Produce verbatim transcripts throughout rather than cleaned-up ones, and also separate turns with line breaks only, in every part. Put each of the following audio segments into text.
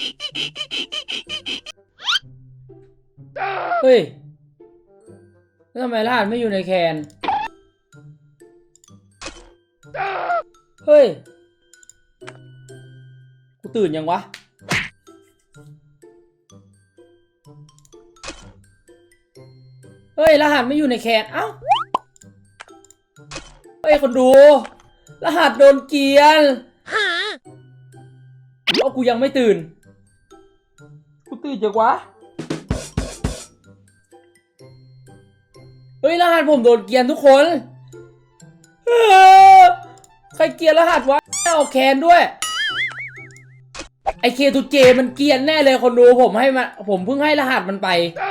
เฮ้ยแล้วทำไมรหัสไม่อยู่ในแคนเฮ้ยกูตื่นยังวะเฮ้ยรหัสไม่อยู่ในแคนเอ้าเฮ้ยคนดูรหัสโดนเกลียนเอากูยังไม่ตื่นกูตื่นจังวะเฮ้ยรหัสผมโดนเกลียนทุกคนใครเกลียนรหัสวะเอาแคนด้วยไอเคทูเจมันเกลียนแน่เลยคนดูผมให้มาผมเพิ่งให้รหัสมันไป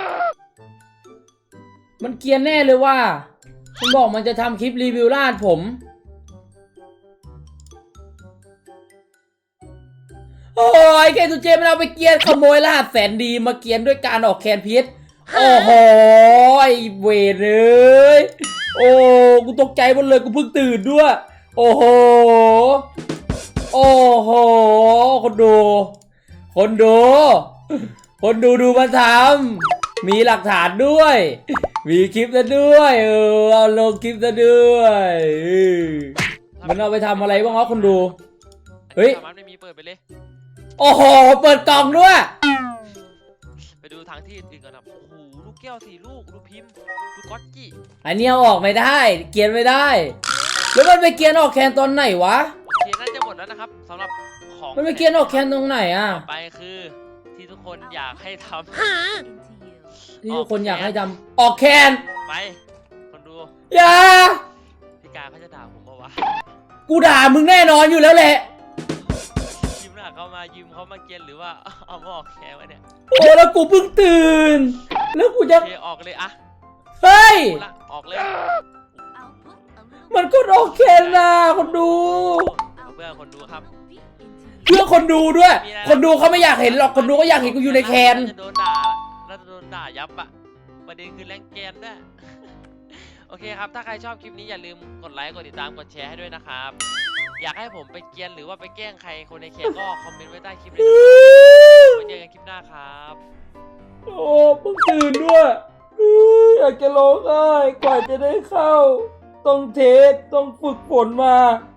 มันเกลียนแน่เลยว่ามันบอกมันจะทำคลิปรีวิวรหัสผมโอ้ยเคทูเจมันเอาไปเกลียนขโมยรหัสแสนดีมาเกลียนด้วยการออกแคนพิษโอ้โหไอเวรเลยโอ้กูตกใจหมดเลยกูเพิ่งตื่นด้วยโอ้โหโอ้โหคนดูคนดูคนดูดูมาทำมีหลักฐานด้วยมีคลิปซะด้วยเออเอาลงคลิปซะด้วยมันเอาไปทำอะไรบ้างวะคนดูเฮ้ย
ไม่มีเปิดไปเลย
โอ้โหเปิดกล่องด้วย
ไปดูทางที่อื่นกันนะโอ้โหลูกแก้วสี่ลูกดูพิมพ์ดูก๊อตจี้
อันนี้เอาออกไม่ได้เกียนไม่ได้แล้วมันไปเกียนออกแคนตอนไหนวะ
เกียนน่าจะหมดแล้วนะครับสำหรับของ
มันไปเกียนออกแคนตรงไหนอ่ะ
ไปคือที่ทุกคนอยากให้ทำ
ที่ทุกคนอยากให้ทำออกแคน
ไปคนดู
อย่า
พี่กาเขาจะด่าผมปะวะ
กูด่ามึงแน่นอนอยู่แล้วแหละ
ยืมหน้าเขามายืมเขามาเกียนหรือว่าเอามาออกแคนวะเนี่ย
โอ้แล้วกูเพิ่งตื่นแล้วกูจะ
ออกเลยอะ
เฮ้ย
ออกเลย
มันก็ออกแคนนะคนดู
เพื่อคนดูครับ
เพื่อคนดูด้วยคนดูเขาไม่อยากเห็นหรอกคนดูก็อยากเห็นกูอยู่ในแคน
จะโดนด่าแล้วจะโดนด่ายับอะประเด็นคือแรงแกนด้วยโอเคครับถ้าใครชอบคลิปนี้อย่าลืมกดไลค์กดติดตามกดแชร์ให้ด้วยนะครับอยากให้ผมไปเกียนหรือว่าไปแกล้งใครคนในแคนก็คอมเมนต์ไว้ใต้คลิปเลยไว้เจอกันคลิปหน้าครับ
โอ้เพิ่งตื่นด้วยอยากจะร้องไห้กว่าจะได้เข้าต้องเทสต้องฝึกฝนมา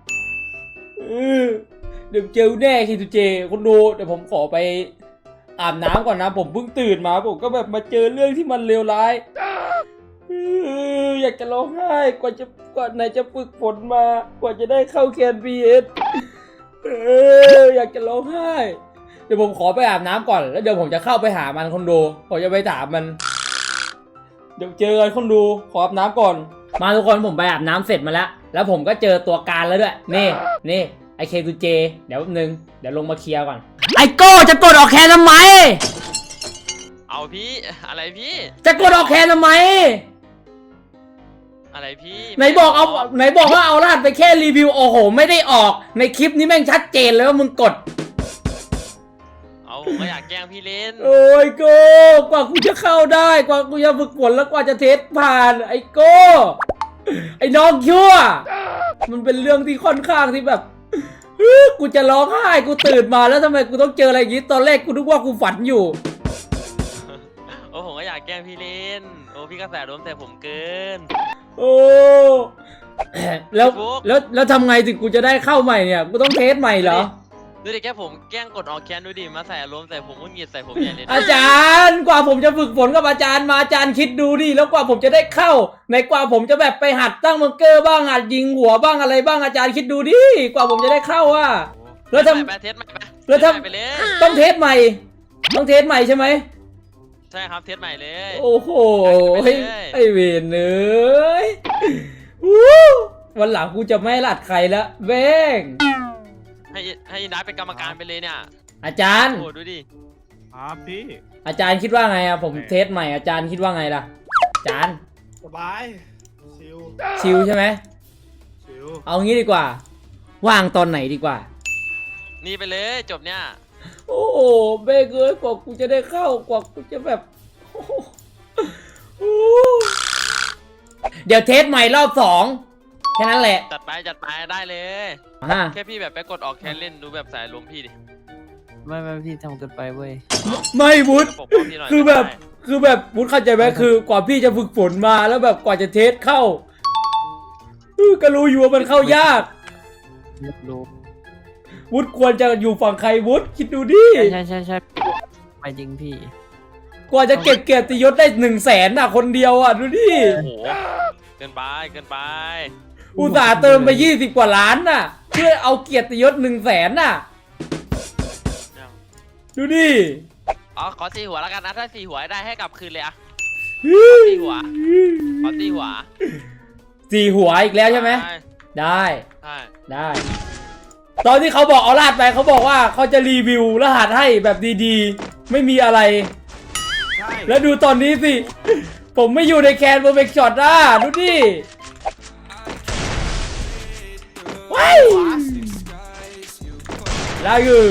เดี๋ยวเจอแน่คิทูเจคนดูเดี๋ยวผมขอไปอาบน้ำก่อนนะผมเพิ่งตื่นมาผมก็แบบมาเจอเรื่องที่มันเลวร้ายอยากจะร้องไห้กว่าจะกว่าไหนจะฝึกฝนมากว่าจะได้เข้าแคนพีเอสอยากจะร้องไห้เดี๋ยวผมขอไปอาบน้ำก่อนแล้วเดี๋ยวผมจะเข้าไปหามันคนดูผมจะไปถามมันเดี๋ยวเจอกันคนดูขออาบน้ำก่อนมาทุกคนผมไปอาบน้ำเสร็จมาแล้วแล้วผมก็เจอตัวการแล้วด้วยนี่นี่ไอเคทูเจเดี๋ยวแป๊บนึงเดี๋ยวลงมาเคลียร์ก่อนไอโก้จะกดออกแคนทำไม
เอาพี่อะไรพี่
จะกดออกแคนทำไม
อะไรพี่
ไหนบอกเอาไหนบอกว่าเอารหัสไปแค่รีวิวโอ้โหไม่ได้ออกในคลิปนี้แม่งชัดเจนเลยว่ามึงกด
เอาผมก็อยากแกล้งพี่เล่น
โอ้ยโก้กว่ากูจะเข้าได้กว่ากูจะฝึกฝนแล้วกว่าจะเทสผ่านไอโก้ไอ้น้องชั่วมันเป็นเรื่องที่ค่อนข้างที่แบบกูจะร้องไห้กูตื่นมาแล้วทำไมกูต้องเจออะไรอย่างนี้ตอนแรกกูนึกว่ากูฝันอยู่
โอ้ผมก็อยากแกล้งพี่เล่นโอ้พี่กระแสล้มแต่ผมเกิน
โอ้แล้วแล้วแล้วทำไงถึงกูจะได้เข้าใหม่เนี่ยกูต้องเทสใหม่เหรอ
ดูดิแค่ผมแกล้งกดออกแคนดูดิมาใส่ล้มใส่ผมก็หงิดใส่ผมใหญ่เลย
อาจารย์กว่าผมจะฝึกฝนกับอาจารย์มาอาจารย์คิดดูดิแล้วกว่าผมจะได้เข้าในกว่าผมจะแบบไปหัดตั้งมังเกอร์บ้างหัดยิงหัวบ้างอะไรบ้างอาจารย์คิดดูดิกว่าผมจะได้เข้าอ่ะแล้วทำ
เทสใหม่
แล้วทำต้องเทสใหม่ต้องเทสใหม่ใช่ไหม
ใช่ครับเทสใหม่เลย
โอ้โหไอเวนเอ้ยวันหลังกูจะไม่หลัดใครละเบ้ง
ให้ให้นัดเป็นกรรมการไปเลยเนี่ย
อาจารย์
โอ้ดูดิ
ครับพี่
อาจารย์คิดว่าไงอะผมเทสใหม่อาจารย์คิดว่าไงล่ะอาจารย์
สบายชิล
ชิลใช่ไหม
ชิล
เอางี้ดีกว่าว่างตอนไหนดีกว่า
นี่ไปเลยจบเนี่ย
โอ้โหเบ้เอ้ยกว่ากูจะได้เข้ากว่ากูจะแบบเดี๋ยวเทสใหม่รอบสองแค่นั้นแหละ
จัดไปจัดไปได้เลยแค่พี่แบบไปกดออกแคนเล่นดูแบบสายลมพี่ดิ
ไม่ไม่พี่ทำเกินไปเว้ย
ไม่วุฒ
ปกป้องพี่หน่อย
คือแบบ
ได้
คือแบบวุฒเข้าใจไหมคือกว่าพี่จะฝึกฝนมาแล้วแบบกว่าจะเทสเข้าเออก็รู้อยู่ว่ามันเข้ายาก
รู้
วุฒควรจะอยู่ฝั่งใครวุฒคิดดูดิ
ใช่ใช่ใช่ใช่ไปจริงพี่
กว่าจะเก็บเกียรติยศได้หนึ่งแสนอ่ะคนเดียวอ่ะดูดิ
โอ้โหเกินไปเกินไป
อุตส่าห์เติมไปยี่สิบกว่าล้านน่ะ เพื่อเอาเกียรติยศหนึ่งแสนน่ะ ดูดิ
อ๋อขอตีหัวแล้วกันนะถ้าตีหัวได้ให้กลับคืนเลยอะตีหัวขอตีหัว
สี่หัวอีกแล้วใช่ไหม ได้
ใช่
ได้ ตอนที่เขาบอกเอารหัสไปเขาบอกว่าเขาจะรีวิวรหัสให้แบบดีๆ ไม่มีอะไร
ใช่
แล้วดูตอนนี้สิ ผมไม่อยู่ในแคนเบอร์เบกช็อตอ่ะดูดิว้ายลากู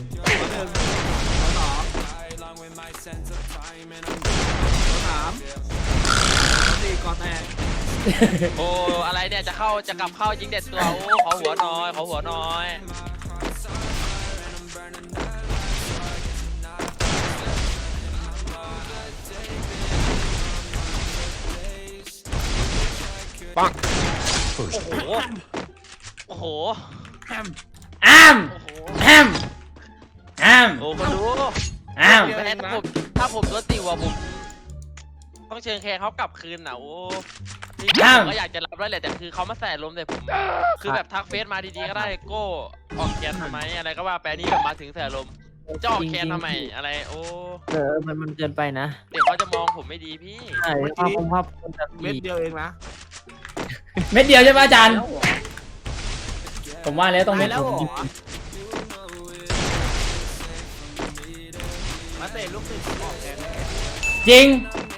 สามสี่ก่อนแตก
โอ้อะไรเนี่ยจะเข้าจะกลับเข้ายิงเด็ดตัวโอ้ขอหัวหน่อยขอหัวหน่อยปังโอ้โหโอ้โห
อ้าม
โอ้โห
อ้ามอ้าม
โอ้คนดู
อ้าม
แม่ถ้าผมถ้าผมโดนตีหัวผมต้องเชิญแขกเขากลับคืนน่ะโอ้ที่ผมก็อยากจะรับแล้วแหละแต่คือเขามาแส่ลมใส่ผมคือแบบทักเฟซมาดีๆก็ได้โก้ออกแคนทำไมอะไรก็ว่าไปนี่แบบมาถึงแส่ลมจะออกแคนทำไมอะไรโอ้
เออมันมันเกินไปนะ
เดี๋ยวเขาจะมองผมไม่ดีพี่
ใช่ภาพคงภาพคนแบบ
เม็ด
นี้
เดียวเองนะ
เม็ดเดียวใช่ไหมอาจารย์ ผมว่าแล้วต้องเม็ด
แล้วเหรอมาเตะลูกศิษย์ออกแทน
จริง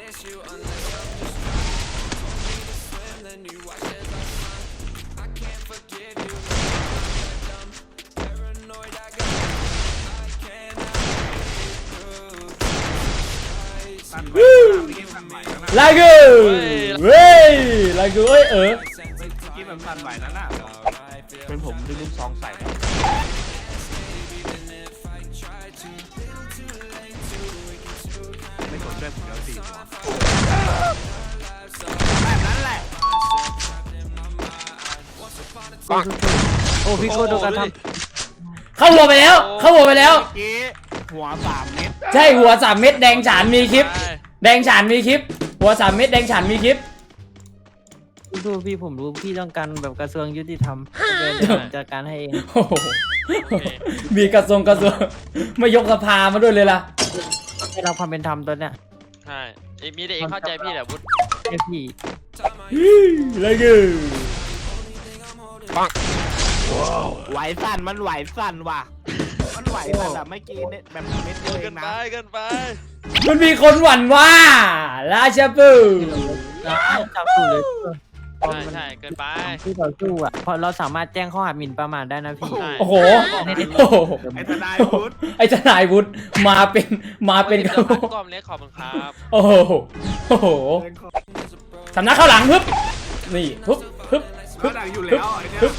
สั่นไหวนะเมื่อกี้สั่นไหวนะ
ลากูเว้ยลากูเอ้ยเออ
เมื่อกี้มันสั่นไหวนั่นน่ะเป็นผมดึงลูกซองใส่ไม่สนใจผมแล้วสี่หัวแบบนั้นแหละ
โอ้พี่โก้โดนการท
เข้าหัวไปแล้ว เข้าหัวไปแล้ว
เมื่อกี้หัวสามเม็ด
ใช่หัวสามเม็ดแดงฉานมีคลิป
ใช่
แดงฉานมีคลิป หัวสามเม็ดแดงฉานมีคลิป
ำดูพี่ผมรู้พี่ต้องการแบบกระทรวงยุติธรรมเดี๋ยวผมจัดการให้เอง
โอ้โหมีกระทรวงกระทรวงไม่ยกสภามาด้วยเลยล่ะ
ให้เราความเป็นธรรมตัวเนี้ย
ใช่เอ้ยมีแต่เองเข้าใจพี่แหละวุฒิ
ให้พี่
ลากู
ไหวสั่นมันไหวสั่นว่ะ มันไหวสั่นแบบเมื่อกี้เนี่ยแบบเม็ดเดียวเอ
เกิ
ง
น
นะ
ไปเกินไป
มันมีคนหวั่นว่าราชาปู
จับถูกเลย
ใช่ใช่เกินไป
ที่ต่อสู้อ่ะเพราะเราสามารถแจ้งข้อหาหมิ่นประมาทได้นะพี่
ใช่
โอ้โหโอ้โห
ไอ้ทนายพุทธ
ไอ้ทนายวุฒิมาเป็นมาเป็น
เกินไปกล่อมเล็กขอบคุณครับ
โอ้โหโอ้โหสำนักข้าวหลังฮึบนี่ฮึบฮึบ
เขาดังอยู่แล้วไอ้เนี่ย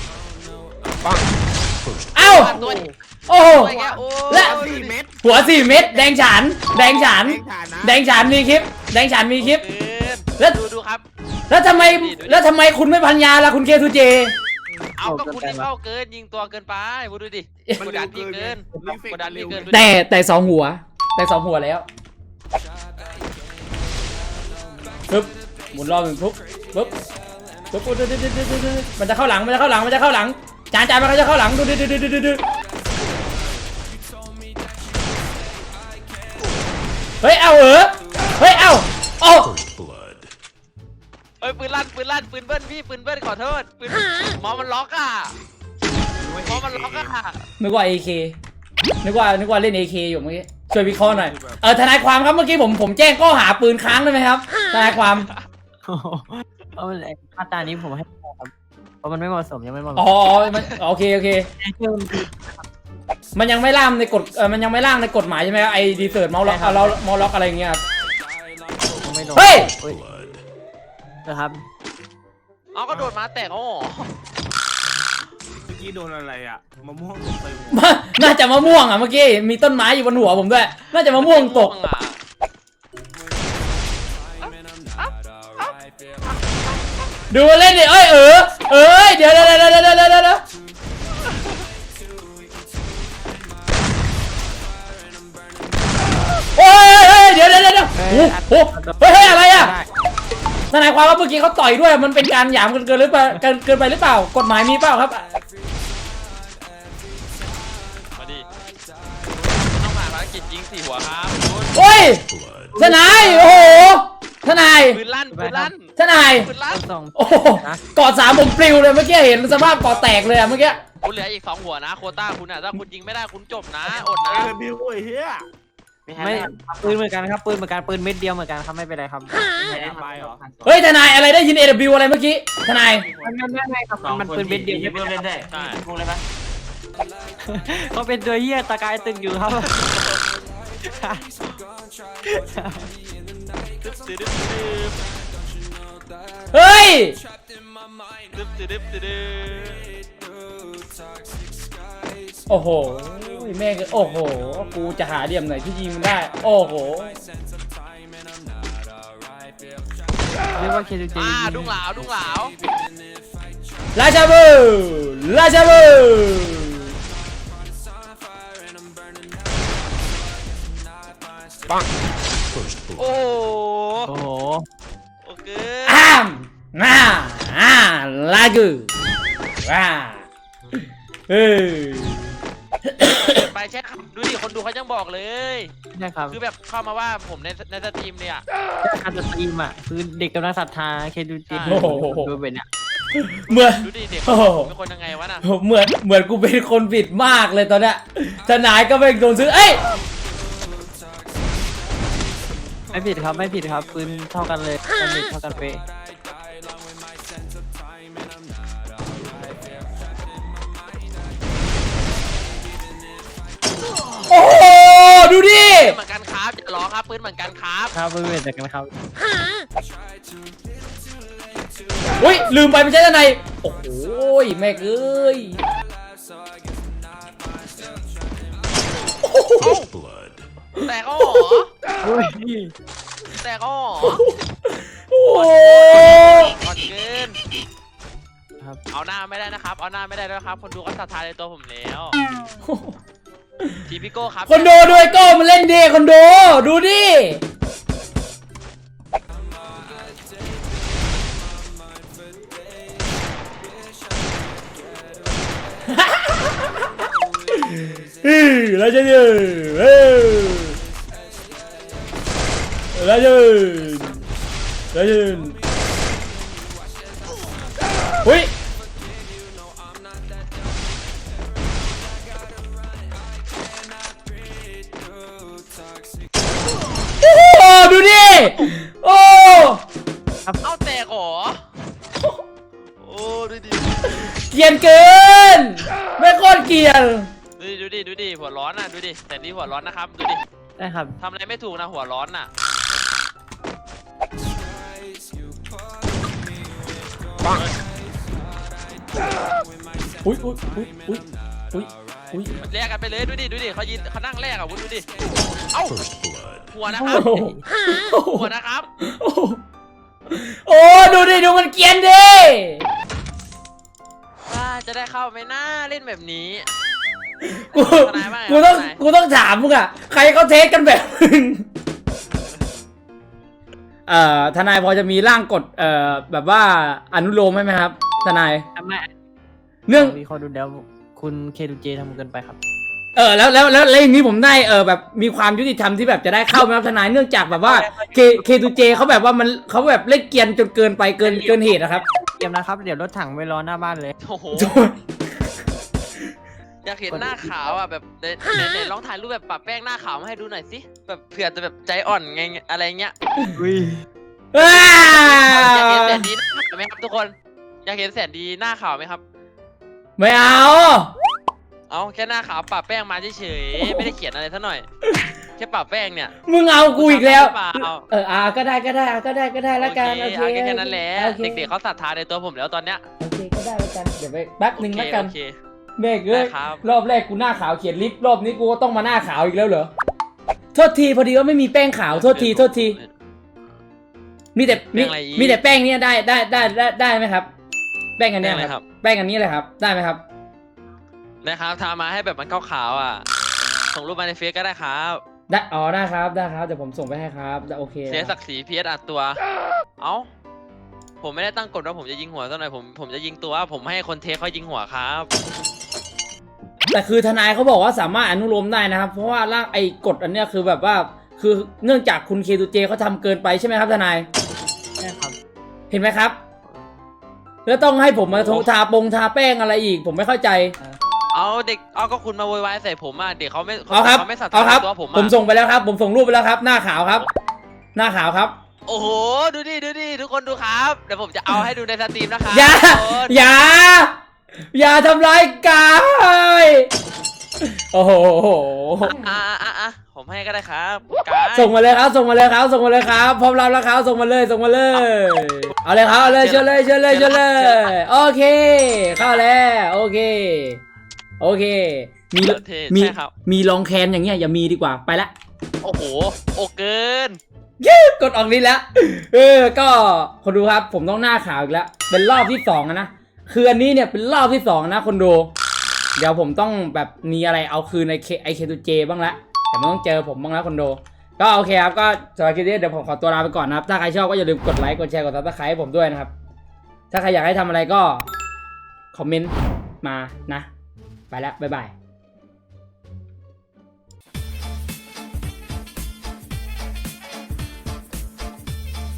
เอ้า
ตัวนี้
โอ้โห
ตัวแกโอ้
และ
สี่เม็ด
หัวสี่เม็ดแดงฉาน แดงฉาน
เองฐานะ
แดงฉานมีคลิป แดงฉานมีคลิป
เกิน
แล้ว
ดูดูครับ
แล้วทำไมแล้วทำไมคุณไม่พันยาล่ะคุณเคทูเจ
เอาก็คุณรีบเข้าเกินยิงตัวเกินไปวุฒิดูดิกดดันพี่เกินกดดันพี่เกิน
แต่แต่สองหัว แต่สองหัวแล้วปึ๊บหมุนรอบหนึ่งปุ๊บปุ๊บปุ๊บปุ๊บดูดูดูดูดูมันจะเข้าหลังมันจะเข้าหลังมันจะเข้าหลังจานจานมันจะเข้าหลังดูดูดูดูดูดูเฮ้ยเอาเออเฮ้ยเอาโอ้
เอ้ยปืนลั่นปืนลั่นปืนเบิ้ลพี่ปืนเบิ้ลขอโทษปืนหมอมันล็อกอ่ะหมอมันล็อกอ่ะ
นึกว่า เอ เค นึกว่านึกว่าเล่น เอ เค อยู่เมื่อกี้ช่วยวิเคราะห์หน่อยเออทนายความครับเมื่อกี้ผมผมแจ้งข้อหาปืนค้างได้ไหมครับทนายความ
เพราะไอ้มาตรานี้ผมให้ครับเพราะมันไม่เหมาะสมยังไม่เหมาะส
อ๋
ม
อมันโอเคโอเค มันยังไม่ล่ามในกฎเออมันยังไม่ล่างในกฎหมายใช่ไหมครับไอ้ดีเซิร์ตเมาส์ล็อกเอาเราเมาส์ล็อกอะไรอย่างเงี้ยครับ
ยังไม่ลง
เฮ้ย
นะครับ
เอาก็โดดมาแตกอ๋อ
กี้โดนอะไรอ่ะมะม่วงไปหัว
มาน่าจะมะม่วงอ่ะเมื่อกี้มีต้นไม้อยู่บนหัวผมด้วยน่าจะมะม่วงตก
อ่ะ
ดูเล่นดิเอ้ยเออเอ้ยเดี๋ยวเดี๋ยวเดี๋ยวเดี๋ยวเดี๋ยวเดี๋ยวเดี๋ยวโอ้ยเฮ้ยเดี๋ยวเดี๋ยวเดี๋ยวโอ้โหเฮ้ยเฮ้ยอะไรอ่ะทนายความว่าเมื่อกี้เขาต่อยด้วยมันเป็นการหยามกันเกินหรือเปล่าเกินเกินไปหรือเปล่ากฎหมายมีเปล่าครับ
มาดิต้องผ่านภารกิจยิงสี่หัวครับคุณ
โอ้ยทนายโอ้โหทนาย
ปืนลั่นปืนลั่น
ทนาย
ปืนลั่น
สอง
โอ้โหกอดสามผมปลิวเลยเมื่อกี้เห็นสภาพกอดแตกเลยอะเมื่อกี้
คุณเหลืออีกสองหัวนะโควต้าคุณอ่ะถ้าคุณยิงไม่ได้คุณจบนะอดนะ
เออบิวไอ้เหี้ย
ไม่ปืนเหมือนกันครับปืนเหมือนกันปืนเม็ดเดียวเหมือนกันครับไม่เป็นไรครับ
ไม่ได้ไปเหรอ
เฮ้ยทนายอะไรได้ยิน เอ ดับเบิลยู อะไรเมื่อกี้ทนาย
มันไม่ไม่ครับมันปืนเม็ดเดียว
เพิ่มเล่นได้พูดเลยปะ
เขาเป็นตัวเหี้ยตะกายตึงอยู่ครับ
ตึ๊บตึ๊บตึ๊บตึ๊บ
เฮ้ย
ตึ๊บตึ๊บตึ๊บตึ๊บ
โอ้โหแม่งโอ้โหกูจะหาเหลี่ยมไหนที่ยิงมันได้โอ้โห
เรียกว่าเคจูเจ
อ่าดุ้งหลาวดุ้งหลาว
ราชาบูราชาบู
โอ้
โอ้โห
โอเค
อ้ามน่าอ่าลากูว้าเฮ้ย
ไปแชทดูดิคนดูเขายังบอกเลย
ใช่ครับ
คือแบบเข้ามาว่าผมในในสตรีมเนี่ย
การสตรีมอ่ะคือเด็กกำลังศรัทธาเคจูเจ
โอ้โห
ดูเป็นเนี่ย
เหมือน
ดูดิเด็ก
โอ้โห
เป็นคนยังไงวะน่ะ
เหมือนเหมือนกูเป็นคนผิดมากเลยตอนเนี้ยทนายก็ไม่โดนซื้อเอ้ย
ไม่ผิดครับไม่ผิดครับปืนเท่ากันเลยดาเมจเท่ากันเป๊ะ
โอ้โหดูดิ
เหมือนกันครับอย่าล้อครับปืนเหมือนกันครับ
ครับปืนเหมือนกันครับ
อุ้ยลืมไปไม่ใช่ทนายโอ้โหแม่งเอ้ย
แต่ก็หรอ
อุ้ย
แต่ก็หรอ
โอ้โห
ก่อนเกิน
ครับ
เอาหน้าไม่ได้นะครับ เอาหน้าไม่ได้ด้วยครับ คนดูก็ศรัทธาในตัวผมแล้ว ทีพิโก้ครับ
คนดูด้วยก็มาเล่นดีคนดูดูดิเฮ้ยแล้วจะเดินเฮ้ยแล้วจะเดินแล้วจะเดินหุ้ยโอ้โหดูดิโอ้
เอาแตกเหรอ โอ้ดูดิ
เกรียนเกินไม่โคตรเกรียน
ดูดิดูดิดูดิหัวร้อนน่ะดูดิแต่นี่หัวร้อนนะครับดูดิ
ได้ครับ
ทำอะไรไม่ถูกนะหัวร้อนน่ะ
อุ้ยอุ้ยอุ้ยอุ้ยอุ้ยอุ้ย
แลกกันไปเลยดูดิดูดิเขายินเขานั่งแลกอ่ะวุ้นดูดิเอ้าหัวนะครับ
โอ้โห
หัวนะครับ
โอ้โหโอ้ดูดิดูมันเกรียนดิ
ว่าจะได้เข้าไหมนะเล่นแบบนี้
กู
ทนายว่าไง
กูต้อง
ทนาย
กูต้องถามมึงอะใครเขาเทสกันแบบมึงเอ่อทนายพอจะมีร่างกฎเอ่อแบบว่าอนุโลมไหมครับทนาย
ทำไม
เรื่อง
มีคนดูแล้วคุณเคจูเจทำเกินไปครับ
เออแล้วแล้วแล้วแล้วอย่างนี้ผมได้เออแบบมีความยุติธรรมที่แบบจะได้เข้าไหมครับทนายเนื่องจากแบบว่าเคเคทูเจเขาแบบว่ามันเขาแบบเล่นเกรียนจนเกินไปเกินเกินเหตุนะครับ
เตรียมนะครับเดี๋ยวรถถังไปรอหน้าบ้านเลย
โอ้โหอยากเห็นหน้าขาวอ่ะแบบในในในลองถ่ายรูปแบบปะแป้งหน้าขาวมาให้ดูหน่อยสิแบบเผื่อจะแบบใจอ่อนไงอะไรเงี้ย
อุ้ย
อ้า
อยากเห็นแสนดีหน้าขาวไหมครับทุกคนอยากเห็นแสนดีหน้าขาวไหมครับ
ไม่เอา
เอาแค่หน้าขาวปะแป้งมาเฉยๆไม่ได้เขียนอะไรซะหน่อยแค่ปะแป้งเนี่ย
มึงเอากูอีกแล้ว
หรือเปล่า
เอออ่าก็ได้ก็ได้ก็ได้ก็ได้แล้วกัน
โอ
โอ
เค
เค
เอาแค่นั้นแหละ
โอค
เด็กๆเขาศรัทธาในตัวผมแล้วตอนเนี้ย
โอเคก็ได้แล้วกันเดี๋ยวไปแป๊บหนึ่งแล้วกัน
โอเคโอเค
แม่งเอ้ย
ได้ครับ
รอบแรกกูหน้าขาวเขียนลิฟต์รอบนี้กูก็ต้องมาหน้าขาวอีกแล้วเหรอโทษทีพอดีว่าไม่มีแป้งขาวโทษทีโทษทีมีแต่มีมีแต่แป้งเนี้ยได้ได้ได้ได้ได้ไหมครับ แป้งอันเนี้ย
ได้ไหม
ค
ครั
รับ บแป้งอันนี้เลยครับได้ไหมครับ
นะครับทามาให้แบบมันขาวๆอ่ะส่งรูปมาในเฟซก็ได้ครับ
ได้อ๋อได้ครับได้ครับเดี๋ยวผมส่งไปให้ครับได้โอเค
เสีย
นะค
ศั
รับ
กดิ์ศรีพีเอสอัดตัว เอ้าผมไม่ได้ตั้งกฎว่าผมจะยิงหัวซะหน่อยผมผมจะยิงตัวผมให้คนเทคเขายิงหัวครับ
แต่คือทนายเขาบอกว่าสามารถอนุโลมได้นะครับ เพราะว่าร่างไอ้กฎอันเนี้ยคือแบบว่าคือเนื่องจากคุณเคทูเจเขาทำเกินไปใช่ไหมครับทนาย
ใช่ครับ
เห็นไหมครับ แล้วต้องให้ผมมาทาปงทาแป้งอะไรอีก ผมไม่เข้าใจ
เอาเด็กเอาก็คุณมาโวยวายใส่ผมอ่ะเด็กเขาไม่
เอาครับ
เขาไม่ศรัท
เอา
ธา
ครับ
ตัวผม
ผม
อ่ะ
ส่งไปแล้วครับ ผมส่งรูปไปแล้วครับ หน้าขาวครับ หน้าขาวครับ
โอ้โหดูดิดูดิทุกคนดูครับเดี๋ยวผมจะเอาให้ดูในสตรีมนะครับ
อย่า
ทุกคน
อย่า อย่าทำร้ายกายโอ้โห
อ่ะอ่ะอ่ะอ่ะผมให้ก็ได้ครับกาย
ส่งมาเลยครับ ส่งมาเลยครับ ส่งมาเลยครับ พร้อมรับแล้วครับ ส่งมาเลย ส่งมาเลย เอาเลยครับ เอาเลยเชิญเลย เชิญเลย เชิญเลย โอเค เข้าแล้ว โอเค โอเค มี
เท่
มี
ใช่ครับ
มีลองแคนอย่างเงี้ยอย่ามีดีกว่า ไปละ
โอ้โหโอเกิน
กดออกนี้แล้ว เออ ก็คนดูครับ ผมต้องหน้าขาวอีกแล้ว เป็นรอบที่สองอะนะ คืออันนี้เนี่ยเป็นรอบที่สองนะคนดู เดี๋ยวผมต้องแบบมีอะไรเอาคืนในไอเคทูเจบ้างละแต่มันต้องเจอผมบ้างแล้วคนดู ก็โอเคครับ ก็สำหรับคลิปนี้เดี๋ยวผมขอตัวลาไปก่อนนะครับ ถ้าใครชอบก็อย่าลืมกดไลค์ กดแชร์ กดซับสไครต์ให้ผมด้วยนะครับ ถ้าใครอยากให้ทำอะไรก็คอมเมนต์มานะ ไปแล้ว บ๊ายบาย